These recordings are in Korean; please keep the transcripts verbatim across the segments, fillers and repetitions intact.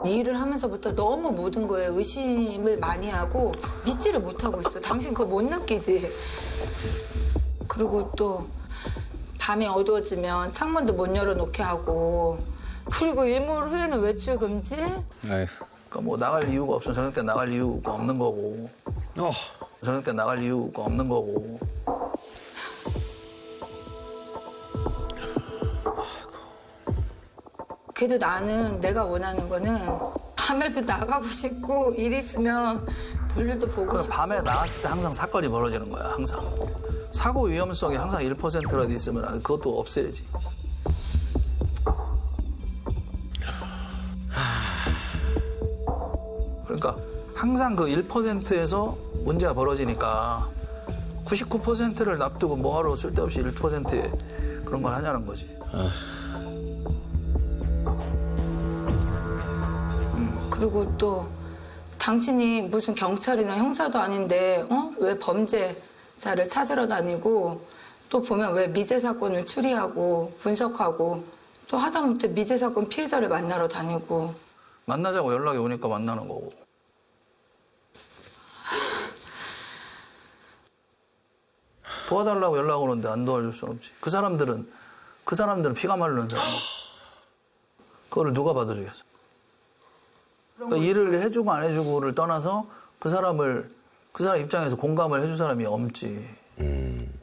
이 일을 하면서부터 너무 모든 거에 의심을 많이 하고 믿지를 못하고 있어. 당신 그거 못 느끼지? 그리고 또 밤이 어두워지면 창문도 못 열어놓게 하고 그리고 일몰 후에는 외출 금지? 아휴. 그러니까 뭐 나갈 이유가 없으면 저녁 때 나갈 이유가 없는 거고 어. 저녁 때 나갈 이유가 없는 거고 그래도 나는 내가 원하는 거는 밤에도 나가고 싶고 일 있으면 볼일도 보고 싶고 밤에 나갔을 때 항상 사건이 벌어지는 거야 항상 사고 위험성이 항상 일 퍼센트라도 있으면 그것도 없애야지 그러니까 항상 그 일 퍼센트에서 문제가 벌어지니까 구십구 퍼센트를 놔두고 뭐하러 쓸데없이 일 퍼센트에 그런 걸 하냐는 거지. 음, 그리고 또 당신이 무슨 경찰이나 형사도 아닌데 어? 왜 범죄자를 찾으러 다니고 또 보면 왜 미제 사건을 추리하고 분석하고 또 하다못해 미제 사건 피해자를 만나러 다니고 만나자고 연락이 오니까 만나는 거고. 도와달라고 연락 오는데 안 도와줄 수는 없지. 그 사람들은 그 사람들은 피가 마르는 사람들. 그거를 누가 받아주겠어? 그러니까 일을 해주고 안 해주고를 떠나서 그 사람을 그 사람 입장에서 공감을 해줄 사람이 없지. 음.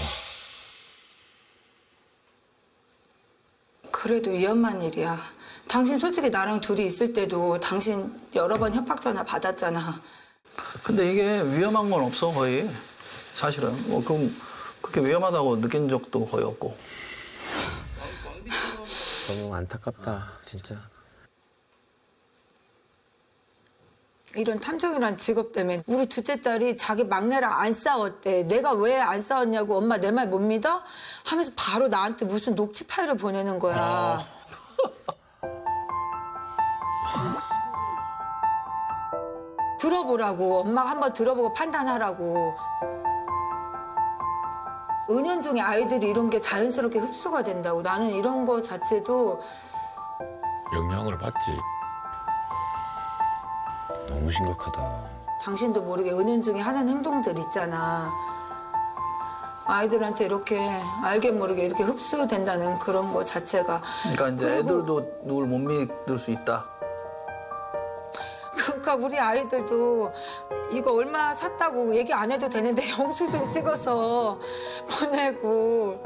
그래도 위험한 일이야. 당신 솔직히 나랑 둘이 있을 때도 당신 여러 번 협박 전화 받았잖아. 근데 이게 위험한 건 없어 거의. 사실은 뭐 그럼 그렇게 위험하다고 느낀 적도 거의 없고. 너무 안타깝다 진짜. 이런 탐정이란 직업 때문에 우리 둘째 딸이 자기 막내랑 안 싸웠대. 내가 왜 안 싸웠냐고 엄마 내 말 못 믿어? 하면서 바로 나한테 무슨 녹취 파일을 보내는 거야. 아. 들어보라고. 엄마가 한번 들어보고 판단하라고. 은연중에 아이들이 이런 게 자연스럽게 흡수가 된다고. 나는 이런 거 자체도 영향을 받지. 너무 심각하다. 당신도 모르게 은연중에 하는 행동들 있잖아. 아이들한테 이렇게 알게 모르게 이렇게 흡수된다는 그런 거 자체가. 그러니까 이제 그리고 애들도 누굴 못 믿을 수 있다. 그러니까 우리 아이들도 이거 얼마 샀다고 얘기 안 해도 되는데 영수증 찍어서 보내고.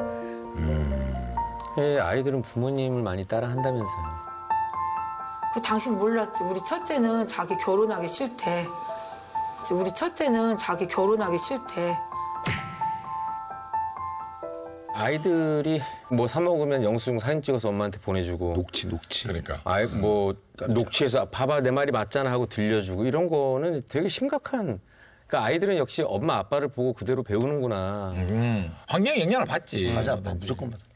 예, 아이들은 부모님을 많이 따라한다면서요. 그 당신 몰랐지. 우리 첫째는 자기 결혼하기 싫대. 우리 첫째는 자기 결혼하기 싫대. 아이들이 뭐 사 먹으면 영수증 사진 찍어서 엄마한테 보내주고 녹취 녹취. 그러니까. 아이 뭐 녹취해서 봐봐 내 말이 맞잖아 하고 들려주고 이런 거는 되게 심각한. 그러니까 아이들은 역시 엄마 아빠를 보고 그대로 배우는구나. 음. 환경에 영향을 받지. 맞아, 무조건 받아.